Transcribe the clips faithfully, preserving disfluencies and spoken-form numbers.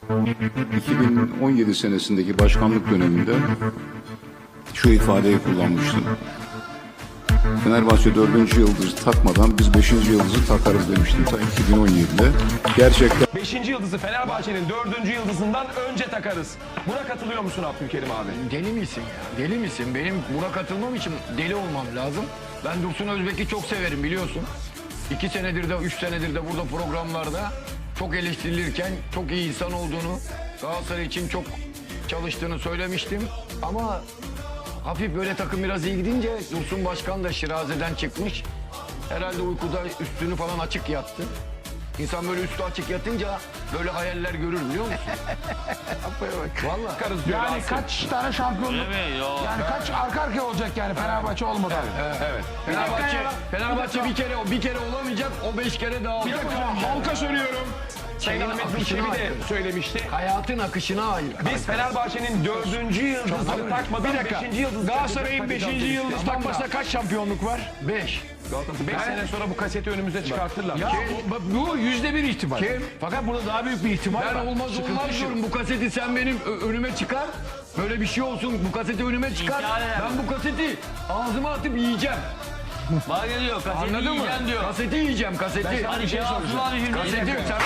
iki bin on yedi senesindeki başkanlık döneminde şu ifadeyi kullanmıştım. Fenerbahçe dördüncü yıldızı takmadan biz beşinci yıldızı takarız demiştim ta iki bin on yedide. Gerçekten Beşinci yıldızı Fenerbahçe'nin dördüncü yıldızından önce takarız. Buna katılıyor musun Abdülkerim abi? Deli misin ya? Deli misin? Benim buna katılmam için deli olmam lazım. Ben Dursun Özbek'i çok severim biliyorsun. İki senedir de, üç senedir de burada programlarda çok eleştirilirken çok iyi insan olduğunu, Galatasaray için çok çalıştığını söylemiştim. Ama hafif böyle takım biraz iyi gidince Dursun Başkan da Şiraze'den çıkmış. Herhalde uykuda üstünü falan açık yattı. İnsan böyle üstü açık yatınca böyle hayaller görür biliyor musun? Vallahi. Takarız diyor Yani Rasim. kaç tane şampiyonluk? Yani kaç arka arkaya olacak yani Fenerbahçe olmadan? Evet. Fenerbahçe, Fenerbahçe bir kere bir kere olamayacak, o beş kere daha Bir olacak. dakika halka soruyorum. Sayın Şeyin Ahmet akışına Çelebi de aykırı. söylemişti. Hayatın akışına hayır. Biz Fenerbahçe'nin dördüncü yıldızını takmadan Bir dakika. beşinci yıldızı Galatasaray'ın beşinci yıldız Tamam takmasına da. kaç şampiyonluk var? Beş. beş sene sonra bu kaseti önümüze çıkartırlar. Ya bu- bu yüzde bir ihtimal. Kim? Fakat burada daha büyük bir ihtimal Ben var. olmaz Sıkıntı olmaz şu. diyorum. Bu kaseti sen benim ö- önüme çıkar. Böyle bir şey olsun. Bu kaseti önüme çıkar. Ben bu kaseti ağzıma atıp yiyeceğim. Bana geliyor kaseti Anladın mı? yiyeceğim diyor. Kaseti yiyeceğim kaseti. Hadi şey alsın abi şimdi. Kaseti sen...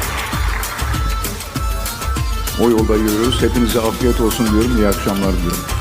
o yolda yürüyoruz. Hepinize afiyet olsun diyorum. İyi akşamlar diliyorum.